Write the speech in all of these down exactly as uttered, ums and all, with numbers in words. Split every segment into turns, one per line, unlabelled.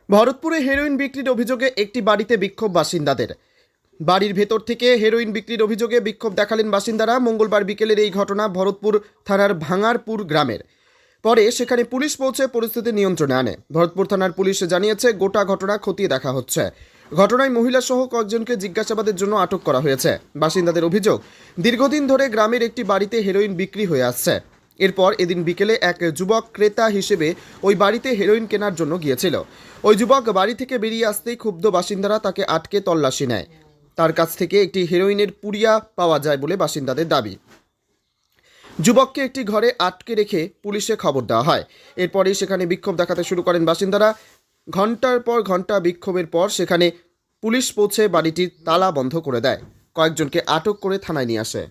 ভরতপুরে heroin বিক্রির অভিযোগে একটি বাড়িতে বিক্ষোভ বাসিন্দাদের। বাড়ির ভেতর থেকে হেরোইন বিক্রির অভিযোগে বিক্ষোভ দেখালেন বাসিন্দারা। মঙ্গলবার বিকেলের এই ঘটনা ভরতপুর থানার ভাঙারপুর গ্রামের। পরে সেখানে পুলিশ পৌঁছে পরিস্থিতি নিয়ন্ত্রণে আনে। ভরতপুর থানার পুলিশ জানিয়েছে, গোটা ঘটনা খতিয়ে দেখা হচ্ছে। ঘটনায় মহিলা সহ কয়েকজনকে জিজ্ঞাসাবাদের জন্য আটক করা হয়েছে। বাসিন্দাদের অভিযোগ, দীর্ঘদিন ধরে গ্রামের একটি বাড়িতে হেরোইন বিক্রি হয়ে আসছে। এরপর এদিন বিকেলে এক যুবক ক্রেতা হিসেবে ওই বাড়িতে হেরোইন কেনার জন্য গিয়েছিল। ওই যুবক বাড়ি থেকে বেরিয়ে আসতেই ক্ষুব্ধ বাসিন্দারা তাকে আটকে তল্লাশি নেয়। তার কাছ থেকে একটি হেরোইনের পুড়িয়া পাওয়া যায় বলে বাসিন্দাদের দাবি। যুবককে একটি ঘরে আটকে রেখে পুলিশে খবর দেওয়া হয়। এরপরেই সেখানে বিক্ষোভ দেখাতে শুরু করেন বাসিন্দারা। ঘন্টার পর ঘন্টা বিক্ষোভের পর সেখানে পুলিশ পৌঁছে বাড়িটির তালা বন্ধ করে দেয়। কয়েকজনকে আটক করে থানায় নিয়ে আসে।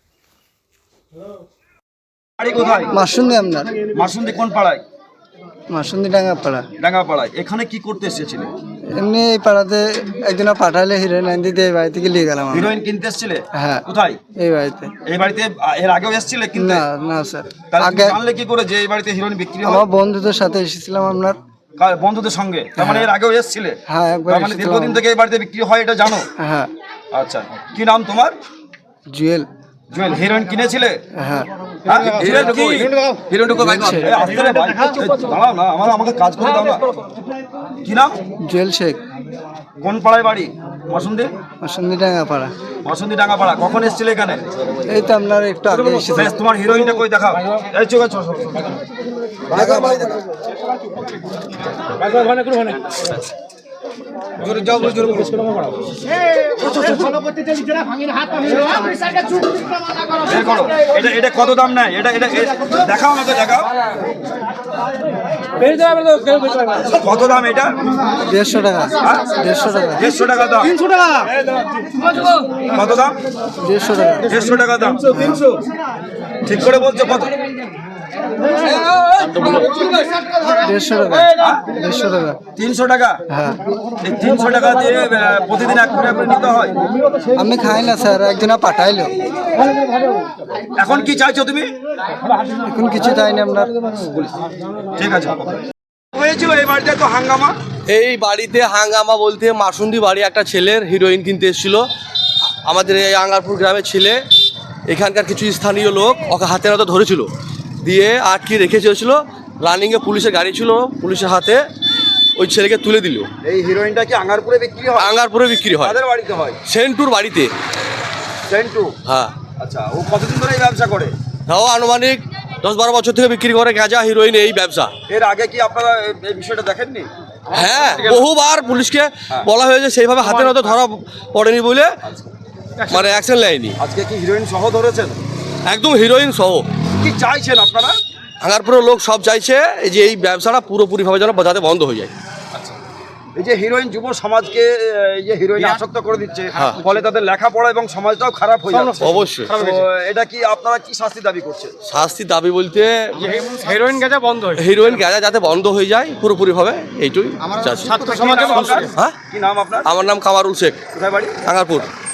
বাড়ি কোথায়?
মাসুন্দি আপনার
মাসুন্দি কোন পাড়ায়?
মাসুন্দি ডাঙ্গা পাড়া।
ডাঙ্গা পাড়ায়। এখানে কি করতে এসেছিলে?
এমনি এই পাড়াতে একদিন পাঠালে হিরোইন আন দিতে এই বাড়ি থেকে নিয়ে গেলাম আমরা।
হিরোইন কিনতে এসেছিলে?
হ্যাঁ।
কোথায়?
এই বাড়িতে।
এই বাড়িতে এর আগেও এসেছিলে কিনতে?
না না স্যার,
তাহলে তুমি
আগে
জানলে কি করে যে এই বাড়িতে হিরোইন বিক্রি হয়?
আমার বন্ধুদের সাথে এসেছিলাম আপনার।
কার বন্ধুদের সঙ্গে? তার মানে এর আগেও এসেছিলে?
হ্যাঁ, একবার
তার মানে
এসেছিলাম।
দীর্ঘদিন থেকে এই বাড়িতে বিক্রি হয় এটা জানো?
হ্যাঁ।
আচ্ছা, কি নাম তোমার?
জুয়েল।
জুয়েল। হিরোইন কিনেছিলে?
হ্যাঁ।
হ্যাঁ? হিরোইন কি? হিরোইনটুকু ভাই এই আসতে রে ভাই। এই দাঁড়াও না, আমার আমাকে কাজ করে দাও না। কি নাম?
জুয়েল শেখ।
কোন পাড়ায় বাড়ি? মাসুন্দি?
মাসুন্দি ডাঙ্গা পাড়া।
মাসুন্দি ডাঙ্গা পাড়া। কখন এসেছিলে এখানে?
এই তো আপনার একটু আগে এসেছিলাম।
বেশ, তোমার হিরোইনটা কই দেখাও। এই চোখ চোখ
দেখা ভাই দেখা।
জোরে যাও, জোরে বলো। বের করো। এটা এটা কত দাম নেয়? এটা এটা এ- দেখাও না তো, দেখাও। কত দাম এটা?
দেড়শো টাকা। দেড়শো টাকা।
দেড়শো টাকা দাম। তিনশো টাকা। কত দাম?
দেড়শো টাকা।
দেড়শো টাকা দাম। ঠিক করে বলছো কত?
দেড়শো টাকা। দেড়শো টাকা।
তিনশো টাকা।
হ্যাঁ।
এই তিনশো টাকা দিয়ে আহ, প্রতিদিন এক করে করে নিতে হয়।
আমি খাই না স্যার, একদিন পাঠাইলো।
এখন কি চাইছো তুমি?
এখন কিছু চাই না আপনার।
ঠিক আছে। হয়েছিল এই বাড়িতে তো হাঙ্গামা।
এই বাড়িতে হাঙ্গামা বলতে মাসুন্দি বাড়ি একটা ছেলের হিরোইন কিনতে এসেছিল। আমাদের এই আঙ্গারপুর গ্রামের ছেলে, এখানকার কিছু স্থানীয় লোক ওকে হাতে হাতে ধরেছিল, দিয়ে আটকে রেখে চলেছিল। রানিংয়ে পুলিশের গাড়ি ছিল, পুলিশের হাতে ওই ছেলেকে তুলে দিল।
এই হিরোইনটা কি আঙ্গারপুরে বিক্রি হয়?
আঙ্গারপুরে বিক্রি হয়।
কাদের বাড়িতে হয়?
সেন্টুর বাড়িতে।
সেন্টু।
হ্যাঁ।
আচ্ছা, ও কতদিন ধরে এই ব্যবসা করে?
তাও আনুমানিক দশ বারো বছর থেকে বিক্রি করে গাঁজা হিরোইন এই ব্যবসা।
এর আগে কি আপনারা এই- এই বিষয়টা দেখেননি?
হ্যাঁ, বহুবার পুলিশকে বলা হয়েছে, সেইভাবে হাতে হাতে ধরা পড়েনি বলে মানে অ্যাকশন নেয়নি।
আজকে কি হিরোইন সহ ধরেছেন?
একদম হিরোইন সহ।
কি চাইছেন আপনারা?
আঙ্গারপুরের লোক সব চাইছে এই যে এই ব্যবসাটা পুরোপুরিভাবে যেন যাতে বন্ধ হয়ে যায়।
এই যে হিরোইন যুব সমাজকে আহ, এই যে হিরোইন আসক্ত করে দিচ্ছে,
হ্যাঁ।
ফলে তাদের লেখাপড়া এবং সমাজটাও খারাপ হয়ে যাচ্ছে।
অবশ্যই।
তো এটা কি আপনারা কি শাস্তি দাবি করছেন?
শাস্তি দাবি বলতে
হেরোইন গাঁজা বন্ধ হয়ে
হিরোইন গাঁজা যাতে বন্ধ হয়ে যায় পুরোপুরিভাবে, এইটুই চাচ্ছি।
ছাত্র সমাজে
কি নাম আপনার?
হ্যাঁ,
কি নাম আপনার?
আমার নাম কামারুল শেখ,
কোথায় বাড়ি?
আঙ্গারপুর।